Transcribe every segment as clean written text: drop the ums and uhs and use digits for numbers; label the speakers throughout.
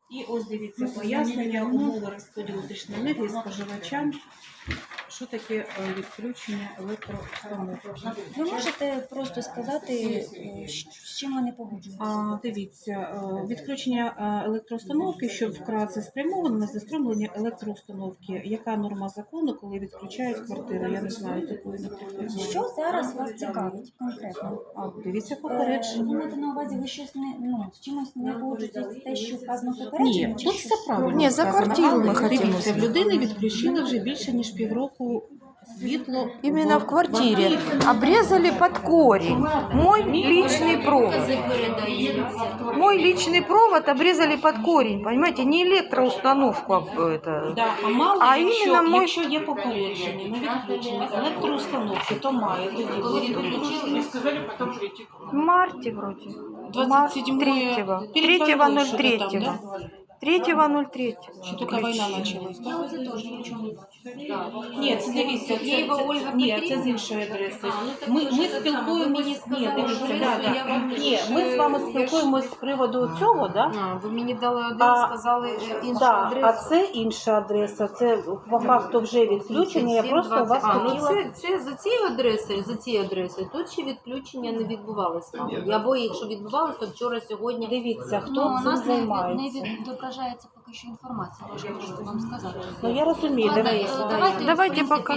Speaker 1: І ось дивіться пояснення, умови розподілу електричної енергії споживачам. Що таке відключення електроустановки?
Speaker 2: Ви можете просто сказати, з чим ви не погоджуєтеся?
Speaker 1: Дивіться, відключення електроустановки, що вкратце спрямовано на застромлення електроустановки. Яка норма закону, коли відключають квартиру? Я не знаю такої, наприклад.
Speaker 2: Що зараз вас цікавить конкретно?
Speaker 1: Дивіться попередження.
Speaker 2: Ви маєте на увазі, ви щось з чимось не погоджуєтеся, те, що вказано в попередженні?
Speaker 1: Ні, тут все правильно.
Speaker 3: Ні, за квартиру ми хотіли.
Speaker 1: Дивіться, в людини відключили вже більше, ніж півроку світло.
Speaker 3: Именно в квартире обрезали под корень мой личный провод. Мой личный провод обрезали под корень, понимаете, не электроустановку, это,
Speaker 1: Да, мало,
Speaker 3: а
Speaker 1: якщо,
Speaker 3: іменно мой...
Speaker 1: якщо є попередження на відключення електроустановки, то має тоді бути.
Speaker 3: В марте вроде.
Speaker 1: 27-го.
Speaker 3: 3.03. 3.03.
Speaker 1: Що тільки війна почалась, так? Ні, це дивіться, це з іншої адреси. Ми спілкуємося, ми з вами спілкуємося з приводу цього, да?
Speaker 4: Ви мені дали один, сказали іншу адресу.
Speaker 1: А це інша адреса, це по факту вже відключення, я просто у вас хотіла...
Speaker 4: Це за цією адресою, тут ще відключення не відбувалося. Або якщо відбувалося, то вчора, сьогодні.
Speaker 1: Дивіться, хто цим займається.
Speaker 2: Не відображається поки що інформація, я можу вам сказати.
Speaker 1: Ну я розумію,
Speaker 3: Давайте пока.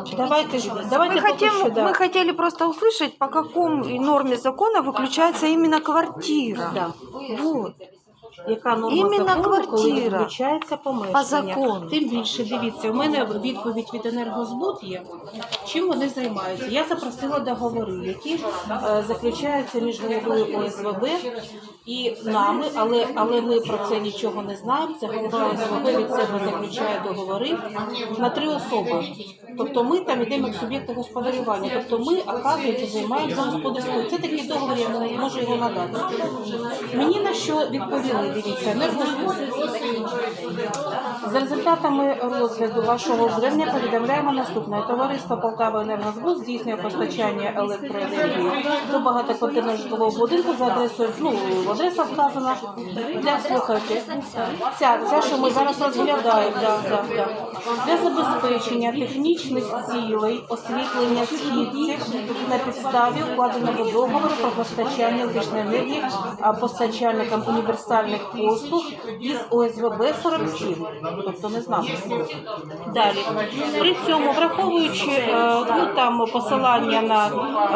Speaker 3: Мы хотели просто услышать, по какому норме закона выключается именно квартира.
Speaker 1: Да.
Speaker 3: Вот.
Speaker 1: Яка норма
Speaker 3: Іменно
Speaker 1: закону, коли
Speaker 3: квартира.
Speaker 1: відключається помешкання.
Speaker 3: По закону.
Speaker 1: Тим більше, дивіться, у мене відповідь від «Енергозбут» є. Чим вони займаються? Я запросила договори, які заключаються між головою ОСВБ і нами, але ми про це нічого не знаємо. Це голова ОСВБ від себе заключає договори на 3 особи. Тобто ми там йдемо як суб'єкти господарювання. Тобто ми, оказується, займаємося господарською. Це такий договор, я можу його надати. Мені на що відповіли? Дивіться, «Енергозбут» за результатами розгляду вашого звернення повідомляємо наступне. Товариство «Полтава Енергозбут» здійснює постачання електроенергії до багатоквартирного житлового будинку за адресою, адреса вказана для, слухайте, ця, що ми зараз розглядаємо, для забезпечення технічних цілей освітлення східців на підставі укладеного договору про постачання електричної енергії постачальникам універсальних послуг із ОСВБ 47, тобто не знаю. Далі. При цьому, враховуючи там посилання на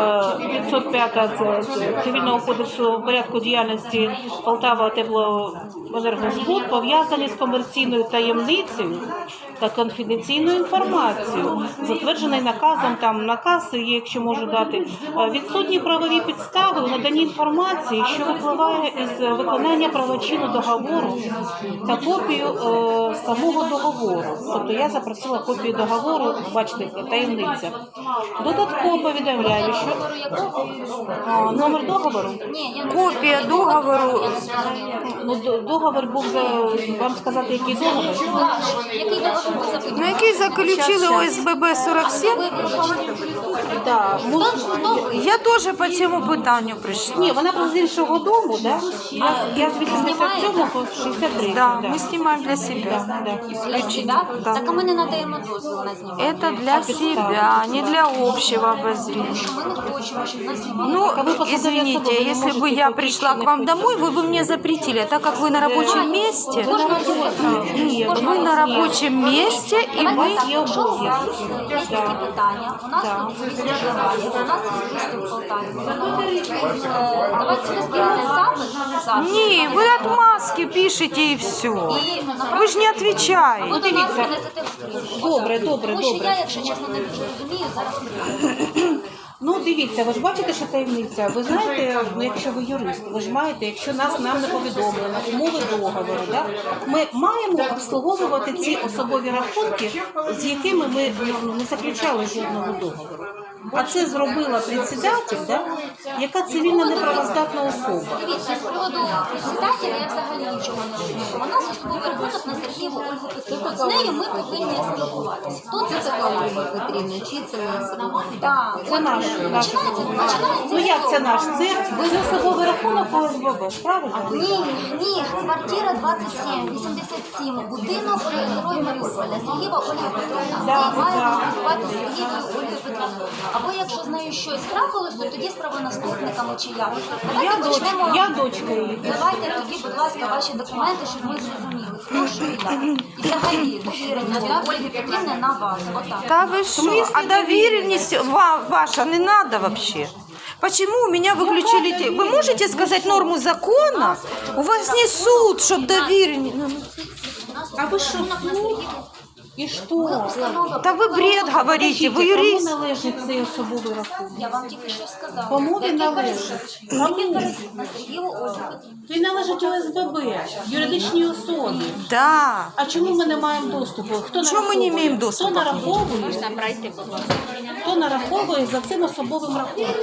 Speaker 1: 505 Цивільного кодексу порядку діяльності Полтава Теплоенергозбут, пов'язані з комерційною таємницею та конфіденційною інформацією, затверджений наказом, там наказ є, якщо можу дати, відсутні правові підстави у наданні інформації, що випливає із виконання правочину договору та копію самого договору. Тобто я запросила копію договору, бачите, таємниця. Додатково повідомляю, що номер договору?
Speaker 3: Копія договору.
Speaker 1: Договор був, вам сказати, який договор?
Speaker 3: Ну, який заключили ОСББ 47?
Speaker 1: Да.
Speaker 3: Я теж по цьому питанню прийшла.
Speaker 1: Ні, вона була з іншого дому, да? Я з 87 по 63.
Speaker 3: Да, мы снимаем для себя.
Speaker 2: Да. Так а ми не надаємо дозвіл на знімання.
Speaker 3: Это для себя, не для общего обозрения.
Speaker 2: Ми не хочемо, щоб нас
Speaker 3: Ну, извините, если бы я пришла к вам домой, вы бы мне запретили. А так как вы на рабочем месте, вы на рабочем месте, и мы...
Speaker 2: Є такі питання. У нас тут місто Ливані, у нас є місто в Полтаві. Давайте ви скинете запит.
Speaker 3: Не, вы отмазки пишете и все. Вы же не отвечаете.
Speaker 2: Ну, дивіться.
Speaker 1: Добре.
Speaker 2: Тому що я, якщо чесно, не дуже розумію, зараз
Speaker 1: Ну, дивіться, ви ж бачите, що таємниця. Ви знаєте, якщо ви юрист, ви ж маєте, якщо нам не повідомлено умови договору, да? Ми маємо обслуговувати ці особові рахунки, з якими ми не заключали жодного договору. А це зробила председатель, да? Яка цивільно неправоздатна особа.
Speaker 2: дивіться, з приводу председателя я взагалі нічого не розумію. У нас особовий рахунок запит на Сергієву Ольгу Петрівну. З нею ми повинні спілкуватися. Хто це
Speaker 4: Це
Speaker 2: така
Speaker 4: така Ольга Петрівна, чи це особливо?
Speaker 2: Так,
Speaker 1: Це наш.
Speaker 2: починається.
Speaker 1: Ну як це наш? Це особовий рахунок ОСББ, правильно?
Speaker 2: Ні, квартира 27, 87, будинок Герой Маріуполя, Сергієва Ольга Петрівна. Маємо спілкуватися з Сергієвою Ольгою Петрівною. Або якщо з нею щось трапилось, то тоді з правонаступниками чи як. Давайте почнемо.
Speaker 1: Я дочка її.
Speaker 2: Давайте тоді, будь ласка, ваші документи, щоб ми зрозуміли, хто що і як. І взагалі довірення Ольги Петрівни на вас. Отак.
Speaker 3: Да вы что? А доверенность ваша не надо вообще. Почему у меня выключили? Вы можете сказать норму закона? У вас не суд, чтобы доверенность.
Speaker 1: А ви що, суд? І що?
Speaker 3: Да вы бред говорите, вы
Speaker 1: Кому
Speaker 3: юрист.
Speaker 1: належить цей особовий рахунок?
Speaker 2: Я вам тільки що сказала.
Speaker 1: Кому він
Speaker 2: Декілька
Speaker 1: належить?
Speaker 2: разів.
Speaker 1: Кому?
Speaker 2: Декілька разів на Сергієву Ольгу Петрівну.
Speaker 1: Він належить ОСББ, юридичній особі.
Speaker 3: Да.
Speaker 1: А чому ми не маємо доступу? Хто
Speaker 3: Чому ми не
Speaker 1: нараховує?
Speaker 3: маємо доступу?
Speaker 1: Хто нараховує? Хто нараховує за цим особовим рахунком?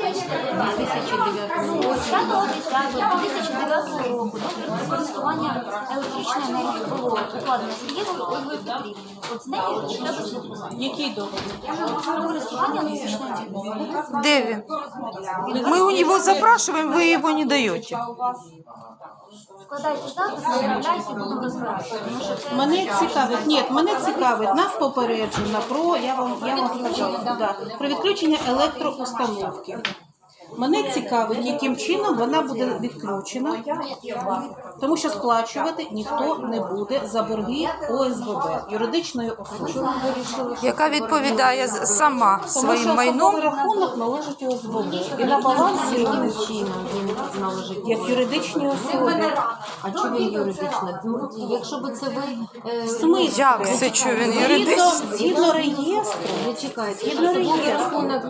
Speaker 2: 2009 року договір про користування електричної енергії було укладено Сергієвою Ольгою Петрівною. От з нею треба слідкувати.
Speaker 1: Який договір?
Speaker 2: Про користування електричною енергією.
Speaker 3: Где вы? Мы у него запрашиваем, вы его не даете.
Speaker 2: Складайте запис, направляйте і будемо розбиратися. Тому що це
Speaker 1: Мене цікавить, нас попереджено про, я вам сказала, да, про відключення електроустановки. Мене цікавить, яким чином вона буде відключена, тому що сплачувати ніхто не буде за борги ОСББ, юридичної особи.
Speaker 3: Яка відповідає сама
Speaker 1: Тому
Speaker 3: своїм
Speaker 1: що
Speaker 3: майном.
Speaker 1: особовий рахунок належить ОСББ. І на балансі
Speaker 4: Яким чином він належить?
Speaker 1: як юридичні особи.
Speaker 4: А чому він юридична? Ну, якщо б це ви...
Speaker 1: Смисл?
Speaker 3: Як це, що він юридичний?
Speaker 1: Згідно реєстру,
Speaker 4: Не чекайте,
Speaker 1: Згідно
Speaker 4: особовий
Speaker 1: реєстру.
Speaker 4: рахунок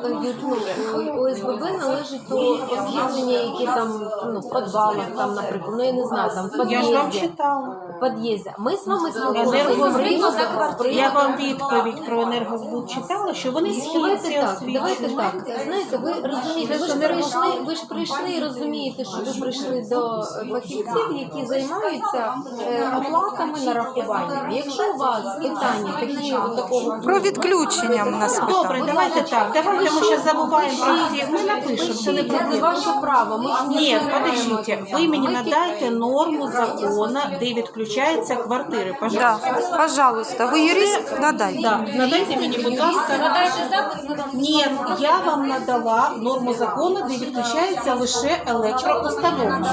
Speaker 4: ОСББ належить до освітлення, які там ну, в підвалах, там, наприклад, ну я не знаю, там в
Speaker 1: я ж вам
Speaker 4: під'їзді.
Speaker 1: читала.
Speaker 4: В під'їзді. Ми з вами
Speaker 1: Енергозбут,
Speaker 4: спілкуємося.
Speaker 1: я вам відповідь про енергозбут читала, що вони
Speaker 4: Давайте
Speaker 1: схильці
Speaker 4: так,
Speaker 1: освітлені.
Speaker 4: давайте так. Знаєте, ви розумієте, ви ж прийшли і розумієте, що ви прийшли до фахівців, які займаються оплатами, нарахуваннями. Якщо у вас питання такі от такого
Speaker 3: Про відключення в нас
Speaker 1: Добре,
Speaker 3: питання.
Speaker 1: давайте так. Давайте ми ще забуваємо про всі. Ми напишемо, це не
Speaker 4: це
Speaker 1: проблема.
Speaker 4: ваше право. Ми ж не
Speaker 1: Ні,
Speaker 4: знаємо.
Speaker 1: подождите, ви мені надайте норму закону, де відключаються квартири, пожалуйста.
Speaker 3: Да, пожалуйста, вы юрист? Надай.
Speaker 1: Да, надайте мені, будь ласка.
Speaker 2: Складайте запит, ми вам
Speaker 1: Ні, я вам надала норму закону, де відключається лише електроустановка.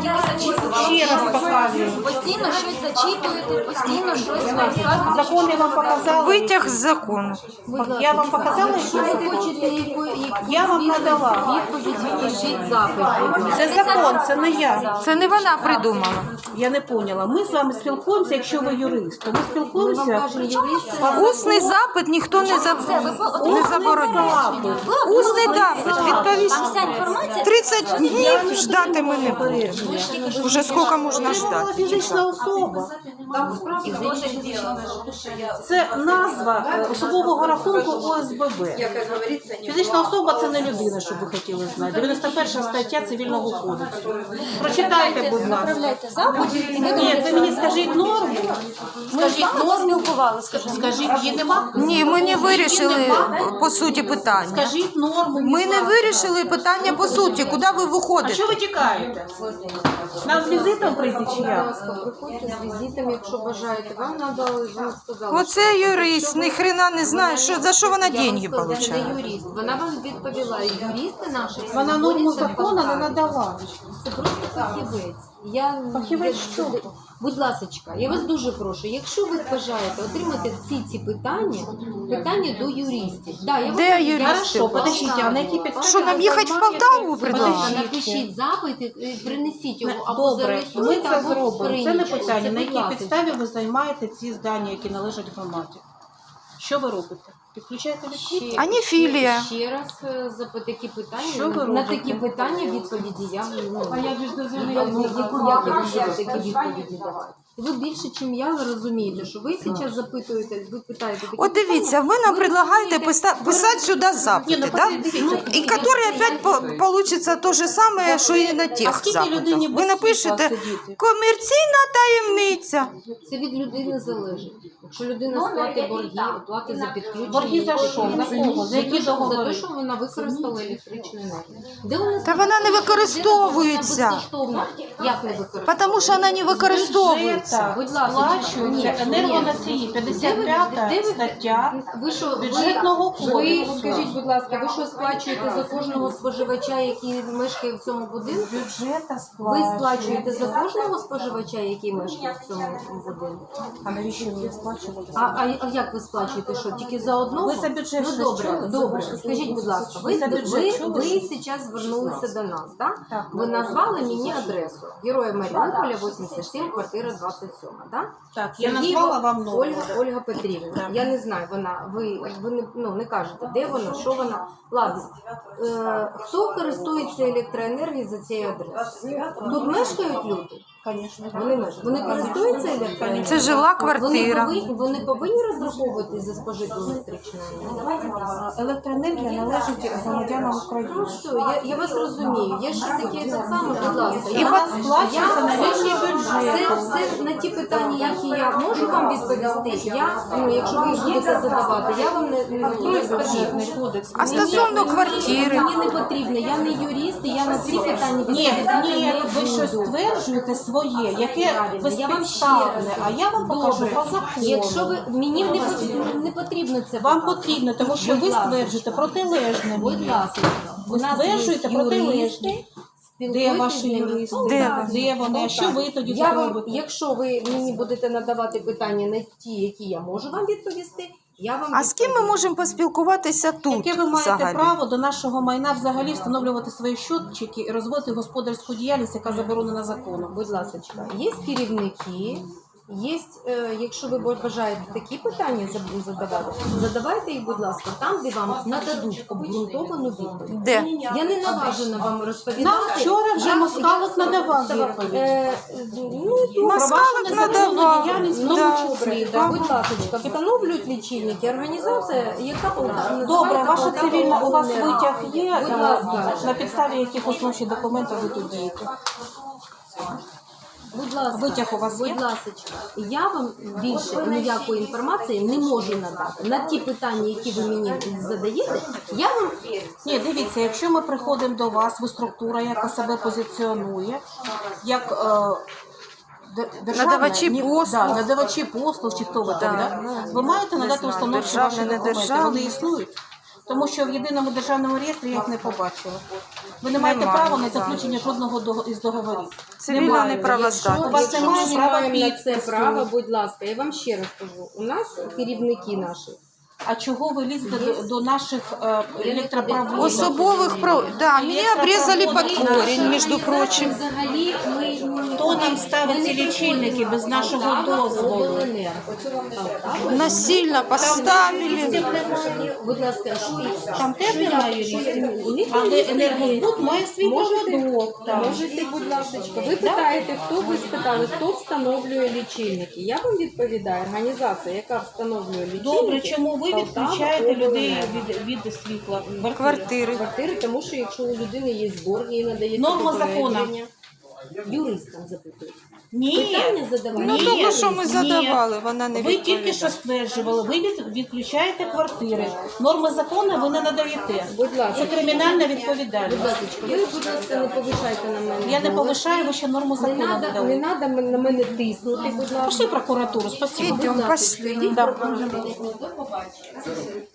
Speaker 1: Ще раз показую.
Speaker 2: постійно щось зачитуєте, постійно щось розказуєте.
Speaker 1: Закон я вам показала.
Speaker 3: Витяг з закону.
Speaker 1: Я вам показала,
Speaker 4: Якщо
Speaker 1: що
Speaker 4: ви хочете
Speaker 1: Я вам надала.
Speaker 4: відповідь, пишіть запит.
Speaker 1: Це закон, це не я.
Speaker 3: Це не вона придумала.
Speaker 1: Я не поняла. Ми з вами спілкуємося, якщо ви юрист. То ми
Speaker 4: Ми вам
Speaker 1: спілкуємося.
Speaker 4: кажемо, юристи,
Speaker 3: Усний запит ніхто не забороняє. Усний запит, відповість.
Speaker 2: Там вся інформація.
Speaker 3: 30 днів ждати ми не будемо. Уже скільки можна
Speaker 1: Отримала
Speaker 3: ждати?
Speaker 1: фізична особа. Це назва особового рахунку ОСББ. Фізична особа – це не людина, щоб ви хотіли знати. 91 стаття Цивільного кодексу. Прочитайте, будь ласка.
Speaker 2: Направляйте запит.
Speaker 1: Ні, ви мені скажіть норму. Скажіть норму.
Speaker 2: Спілкувалися.
Speaker 1: Скажіть, її нема?
Speaker 3: Ні, ми не вирішили по суті питання.
Speaker 1: Скажіть норму.
Speaker 3: Ми не вирішили питання по суті. Куди ви
Speaker 1: А
Speaker 3: виходите?
Speaker 1: що ви тікаєте? Нам з візитом прийти чи
Speaker 4: будь
Speaker 1: як?
Speaker 4: ласка, приходьте з візитом, якщо бажаєте. Вам надали, вже сказала.
Speaker 3: Оце юрист, ні хрена не знає, що, за що вона деньги
Speaker 4: Вона
Speaker 3: получає.
Speaker 4: не юрист. Вона вам відповіла. Юристи наші.
Speaker 1: Вона норму закону не надала.
Speaker 4: Це просто фахівець.
Speaker 1: Фахівець що?
Speaker 4: Будь ласочка, я вас дуже прошу, якщо ви бажаєте отримати всі ці питання до юристів. Да, я
Speaker 3: Де
Speaker 4: вам-
Speaker 3: юристи?
Speaker 1: Хорошо, подождите, а на якій підставі?
Speaker 3: Що, нам
Speaker 1: ви
Speaker 3: їхати в
Speaker 1: займаєте-
Speaker 3: Полтаву предлагають?
Speaker 1: Подождіть.
Speaker 4: Напишіть запит, і принесіть його або
Speaker 1: Добре, ми
Speaker 4: зареєструйте,
Speaker 1: це
Speaker 4: або в
Speaker 1: зробимо. Це не
Speaker 4: скринічку.
Speaker 1: питання.
Speaker 4: Це,
Speaker 1: На
Speaker 4: будь
Speaker 1: якій
Speaker 4: ласка.
Speaker 1: підставі ви займаєте ці здання, які належать громаді? Що ви робите? Підключаєте відключення?
Speaker 3: А не філія.
Speaker 4: Ще раз такі питання.
Speaker 1: Що ви
Speaker 4: на
Speaker 1: робите?
Speaker 4: такі питання відповіді я
Speaker 1: А як же ж
Speaker 4: яку я такі відповіді давати? Ви більше, ніж я, ви розумієте, що ви зараз запитуєте, ви питаєте такі
Speaker 3: От дивіться, ви нам предлагаєте писати сюди запити, да? І які опять получиться те ж саме, що і на
Speaker 1: А
Speaker 3: тих
Speaker 1: скільки людині
Speaker 3: запитах.
Speaker 1: без
Speaker 3: Ви напишете
Speaker 1: світла сидіти?
Speaker 3: комерційна таємниця.
Speaker 4: Це від людини залежить. Якщо людина сплатить борги, оплати за підключення.
Speaker 1: Борги за що? За кого? За які
Speaker 4: За
Speaker 1: договори?
Speaker 4: те, що вона використала електричну енергію. Де у нас
Speaker 3: Та вона не використовується.
Speaker 4: безкоштовно? Як не використовується?
Speaker 3: Тому що вона не використовується.
Speaker 1: Так,
Speaker 4: Будь ласка,
Speaker 1: сплачуються
Speaker 4: ні,
Speaker 1: енергоносії, 55 стаття
Speaker 4: Ви що,
Speaker 1: бюджетного
Speaker 4: ви
Speaker 1: кодексу.
Speaker 4: скажіть, будь ласка, ви що сплачуєте за кожного споживача, який мешкає в цьому будинку?
Speaker 1: бюджета
Speaker 4: Ви сплачуєте за кожного споживача, який мешкає в цьому будинку?
Speaker 1: А навіщо ви сплачувати?
Speaker 4: А як ви сплачуєте? Що, тільки за одного?
Speaker 1: Ви за бюджет
Speaker 4: Ну
Speaker 1: щось
Speaker 4: добре,
Speaker 1: чули?
Speaker 4: добре. Скажіть, будь ласка,
Speaker 1: Ви за бюджет чули
Speaker 4: ви
Speaker 1: щось?
Speaker 4: зараз звернулися до нас, так?
Speaker 1: Так.
Speaker 4: Ви назвали мені адресу. Героя Маріуполя, 87, квартира 27, так?
Speaker 1: Так, я назвала вам номер.
Speaker 4: Ольга Петрівна.
Speaker 1: Так.
Speaker 4: Я не знаю, ви не кажете, де вона, що вона. Ладно. Хто користується електроенергією за цією адресою? Тут мешкають люди?
Speaker 1: Звісно.
Speaker 4: Вони користуються електроенергією?
Speaker 3: Це жила квартира.
Speaker 4: Вони повинні розраховуватись за спожиту електричну енергію?
Speaker 1: Електроенергія належить громадянам
Speaker 4: Ну
Speaker 1: України.
Speaker 4: все, я вас розумію. Я ще таке так само, будь ласка.
Speaker 1: І вона сплачується на рівні бюджету.
Speaker 4: Все на ті питання, які я можу вам відповісти. Якщо ви їх будете задавати, я вам не відповім.
Speaker 1: Кодекс.
Speaker 3: А стосовно квартири?
Speaker 4: Мені не потрібно, я не юрист, і я на ці питання
Speaker 1: Ні,
Speaker 4: відповідати
Speaker 1: ні,
Speaker 4: не
Speaker 1: ви щось
Speaker 4: буду.
Speaker 1: стверджуєте своє, яке
Speaker 4: Правильно, я вам ще раз
Speaker 1: безпідставне, а я вам покажу
Speaker 4: Добре.
Speaker 1: по закону.
Speaker 4: Якщо ви мені не потрібно це
Speaker 1: Вам
Speaker 4: показувати.
Speaker 1: потрібно, тому що
Speaker 4: Будь
Speaker 1: ви
Speaker 4: ласка.
Speaker 1: стверджуєте протилежне.
Speaker 4: Будь ласка,
Speaker 1: Ви стверджуєте протилежне. Де ваші юристи? Де вони? А що ви тоді
Speaker 4: Я вам,
Speaker 1: робите?
Speaker 4: якщо ви мені будете надавати питання на ті, які я можу вам відповісти, я вам
Speaker 3: А з ким ми можемо поспілкуватися тут
Speaker 1: Яке ви маєте
Speaker 3: взагалі?
Speaker 1: право до нашого майна взагалі встановлювати свої щотчики і розводити господарську діяльність, яка заборонена законом?
Speaker 4: Будь ласка, є керівники, є, якщо ви бажаєте такі питання задавати, задавайте їх, будь ласка, там, де вам нададуть обґрунтовану відповідь.
Speaker 3: Де?
Speaker 4: Я не наважена вам розповідати.
Speaker 1: Нам вчора вже
Speaker 4: Я-
Speaker 1: Москалик надавав
Speaker 4: я-
Speaker 1: відповідь.
Speaker 4: Ну,
Speaker 3: Москалик надавав.
Speaker 1: діяльність, в тому
Speaker 3: Да.
Speaker 1: числі. Да.
Speaker 4: Будь ласка, встановлюють лічильники. Організація, яка
Speaker 1: Добре,
Speaker 4: називається
Speaker 1: ваша
Speaker 4: Полтава
Speaker 1: цивільна, у вас
Speaker 4: Обленерго.
Speaker 1: витяг є,
Speaker 4: Будь ласка.
Speaker 1: на підставі яких основних документів ви тут дієте?
Speaker 4: Будь ласка,
Speaker 1: Витяг у вас є?
Speaker 4: будь ласка, я вам більше ніякої інформації не можу надати. На ті питання, які ви мені задаєте, я вам
Speaker 1: Ні, дивіться, якщо ми приходимо до вас, ви структура, яка себе позиціонує, як державна,
Speaker 3: Надавачі послуг.
Speaker 1: Да, надавачі послуг, чи хто ви там, да? Ви маєте
Speaker 3: Не
Speaker 1: надати
Speaker 3: знаю,
Speaker 1: установчі
Speaker 3: державне,
Speaker 1: ваші
Speaker 3: не
Speaker 1: документи,
Speaker 3: державне.
Speaker 1: вони існують. Тому що в єдиному державному реєстрі я їх не побачила. Ви не маєте
Speaker 3: Немає,
Speaker 1: права на
Speaker 3: так.
Speaker 1: заключення жодного із договорів.
Speaker 3: Цивільна
Speaker 1: Немає.
Speaker 3: неправоздатність.
Speaker 1: У вас
Speaker 4: якщо
Speaker 1: немає
Speaker 4: ми
Speaker 1: права
Speaker 4: маємо на це
Speaker 1: підпису.
Speaker 4: право, будь ласка, я вам ще раз кажу, у нас керівники наші.
Speaker 1: А чого ви лізете до наших електропроводів?
Speaker 3: Особових прав. Да, мені обрізали під корінь, між прочим.
Speaker 4: Взагалі,
Speaker 1: Хто нам ставить ці лічильники без нашого дозволу?
Speaker 3: Насильно поставили.
Speaker 4: Будь ласка, що
Speaker 1: Там теж немає юристів, але енергозбут має свій проводок. там.
Speaker 4: Можете, будь ласка, ви питаєте, ви спитали, хто встановлює лічильники. Я вам відповідаю, організація, яка встановлює лічильники.
Speaker 1: Добре, чому ви відключаєте людей від світла?
Speaker 3: Квартири.
Speaker 4: Квартири, тому що якщо у людини є борг, їй надається
Speaker 1: Норма
Speaker 4: попередження.
Speaker 1: закону.
Speaker 4: Юристам запитують.
Speaker 1: Ні.
Speaker 4: Питання задавайте.
Speaker 3: Ну,
Speaker 1: Ні,
Speaker 3: тому що ми
Speaker 1: ні.
Speaker 3: задавали, вона не
Speaker 1: Ви тільки
Speaker 3: відповідає.
Speaker 1: що стверджували, ви відключаєте квартири. Норми закону ви не надаєте.
Speaker 4: Будь ласка.
Speaker 1: Це кримінальна
Speaker 4: Будь
Speaker 1: відповідальність.
Speaker 4: ласка, ви, будь ласка, не повишайте на мене.
Speaker 1: Я не
Speaker 4: голос.
Speaker 1: повишаю, ви ще норму
Speaker 4: Не
Speaker 1: закону не
Speaker 4: треба
Speaker 1: дали.
Speaker 4: на мене тиснути, будь ласка.
Speaker 1: Пошли в прокуратуру, спасибо.
Speaker 3: Йдемо, пошли.
Speaker 1: Да.
Speaker 4: До побачення.